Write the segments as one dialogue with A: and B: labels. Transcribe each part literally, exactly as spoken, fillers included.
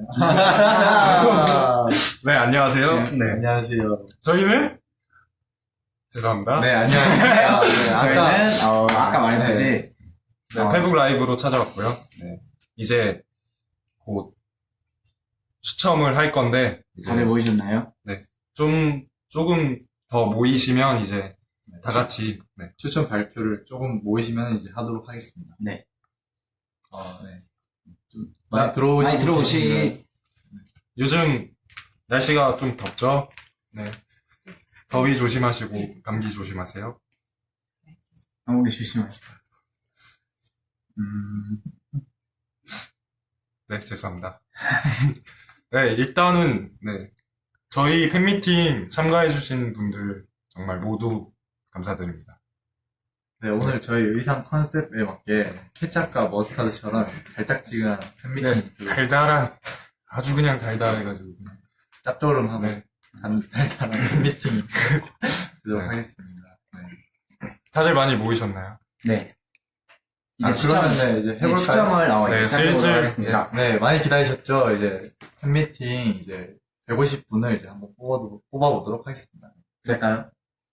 A: 네, 안녕하세요.
B: 네,
A: 네.
B: 안녕하세요.
A: 저희는? 죄송합니다.
B: 네, 안녕하세요. 아, 네, 아까,
C: 저희는 어, 아까 말했듯이
B: 네.
A: 네,
C: 어,
A: 페북 라이브로 찾아왔고요. 네. 이제 곧 추첨을 할 건데, 이제
C: 다들 모이셨나요?
A: 좀, 조금 더 모이시면 이제 다 같이, 네.
B: 추천 발표를 조금 모이시면 이제 하도록 하겠습니다.
C: 네.
B: 어, 네. 좀 많이 들어오시고.
C: 많이
B: 계시면-
C: 들어오시
A: 요즘 날씨가 좀 덥죠? 네. 더위 조심하시고, 감기 조심하세요.
C: 감기 조심하시고.
B: 음,
A: 네, 죄송합니다. 네, 일단은, 네. 저희 팬미팅 참가해주신 분들 정말 모두 감사드립니다.
B: 네, 오늘 저희 의상 컨셉에 맞게 케찹과 머스타드처럼 달짝지근한 팬미팅,
A: 네, 달달한, 아주 그냥 달달해가지고.
B: 짭조름하고
A: 네.
B: 단, 달달한 팬미팅 되도록
A: 네.
B: 하겠습니다. 네.
A: 다들 많이 모이셨나요?
C: 네.
B: 아, 그러면 네, 이제 해볼까요?
C: 추첨을 어,
A: 네,
C: 이제 시작해보도록
A: 슬슬,
C: 하겠습니다.
B: 네, 많이 기다리셨죠? 이제 팬미팅 이제 백오십 분을 이제 한번 뽑아, 뽑아보도록 하겠습니다.
C: 될까요?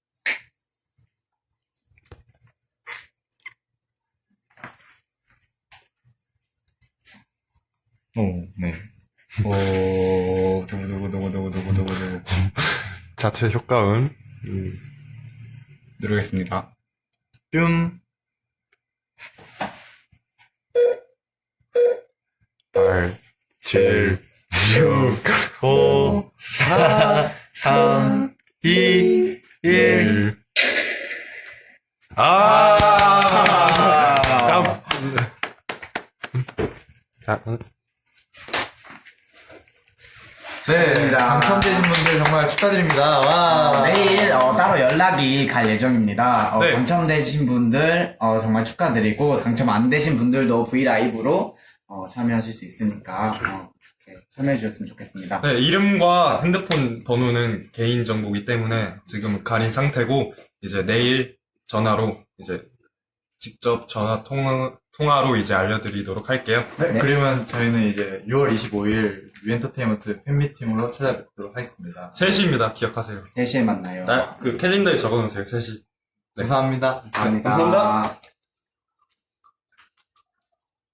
B: 오, 네.
C: 오, 두구두구두구두구두구두구.
A: 자체 효과음.
C: 누르겠습니다.
B: 뿅.
A: 팔,
B: 칠, 육, 오, 사, 삼, 이, 일.
A: 아!
B: 아.
A: 자, 음.
B: 네,
C: 축하드립니다.
B: 당첨되신 분들 정말 축하드립니다. 와.
C: 어, 내일 어, 따로 연락이 갈 예정입니다. 어,
A: 네.
C: 당첨되신 분들 어, 정말 축하드리고 당첨 안 되신 분들도 브이라이브로 어, 참여하실 수 있으니까 어, 이렇게 참여해 주셨으면 좋겠습니다.
A: 네, 이름과 핸드폰 번호는 개인정보이기 때문에 지금 가린 상태고, 이제 내일 전화로, 이제 직접 전화 통화, 통화로 이제 알려드리도록 할게요.
B: 네,
C: 네.
B: 그러면 저희는 이제 유월 이십오일 유엔터테인먼트 팬미팅으로 찾아뵙도록 하겠습니다.
A: 세 시입니다. 기억하세요.
C: 세 시에 만나요.
A: 나, 그 캘린더에 적어놓으세요. 세 시. 네.
B: 감사합니다.
C: 감사합니다.
A: 감사합니다.